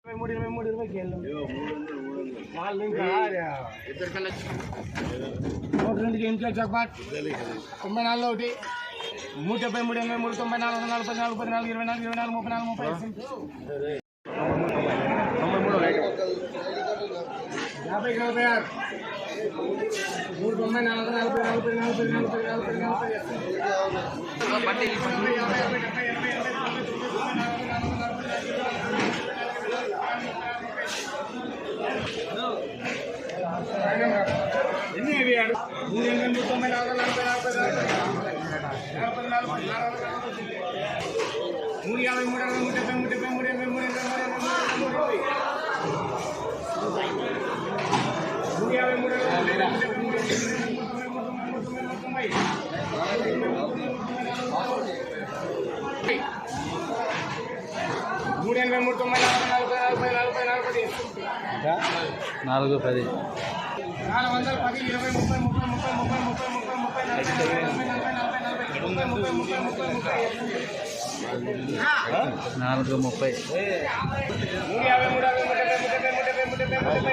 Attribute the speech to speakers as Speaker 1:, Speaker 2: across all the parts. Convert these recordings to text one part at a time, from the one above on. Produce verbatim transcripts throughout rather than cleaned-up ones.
Speaker 1: మూడు ఇరవై మూడు ఇరవైకి వెళ్ళాం వాళ్ళు ఇంకా నూట రెండుకి ఇంట్లో చక్బాట్ తొంభై నాలుగు ఒకటి మూడు డెబ్బై మూడు ఎనభై మూడు తొంభై నాలుగు నలభై నాలుగు పది నాలుగు ఇరవై నాలుగు ఇరవై నాలుగు ముప్పై నాలుగు ముప్పై యాభై నలభై ఆరు మూడు తొంభై నాలుగు నలభై నలభై నలభై నలభై నలభై నలభై ఎన్ని మూడు ఎనిమిది తొంభై నాలుగు నలభై నలభై నలభై నలభై మూడు యాభై మూడు అరవై మూడు డెబ్బై మూడు డెబ్బై మూడు ఎనభై మూడు ఎనభై మూడు మూడు యాభై మూడు మూడు ఎనభై మూడు తొంభై నలభై నలభై నలభై నలభై
Speaker 2: నాలుగు పది
Speaker 1: నాలుగు వందల పది ఇరవై ముప్పై ముప్పై ముప్పై ముప్పై ముప్పై ముప్పై ముప్పై నలభై నలభై నలభై నలభై నలభై ముప్పై ముప్పై ముప్పై ముప్పై ముప్పై
Speaker 2: నాలుగు ముప్పై
Speaker 1: మూడు యాభై మూడు అరవై మూడు డెబ్బై మూడు డెబ్బై మూడు డెబ్బై మూడు డెబ్బై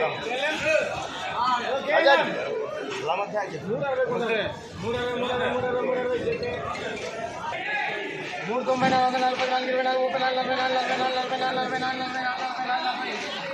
Speaker 1: మూడు తొంభై నాలుగు నలభై నాలుగు ఇరవై నాలుగు ముప్పై నాలుగు నలభై నాలుగు నలభై నాలుగు నలభై నాలుగు నలభై నాలుగు నలభై నాలుగు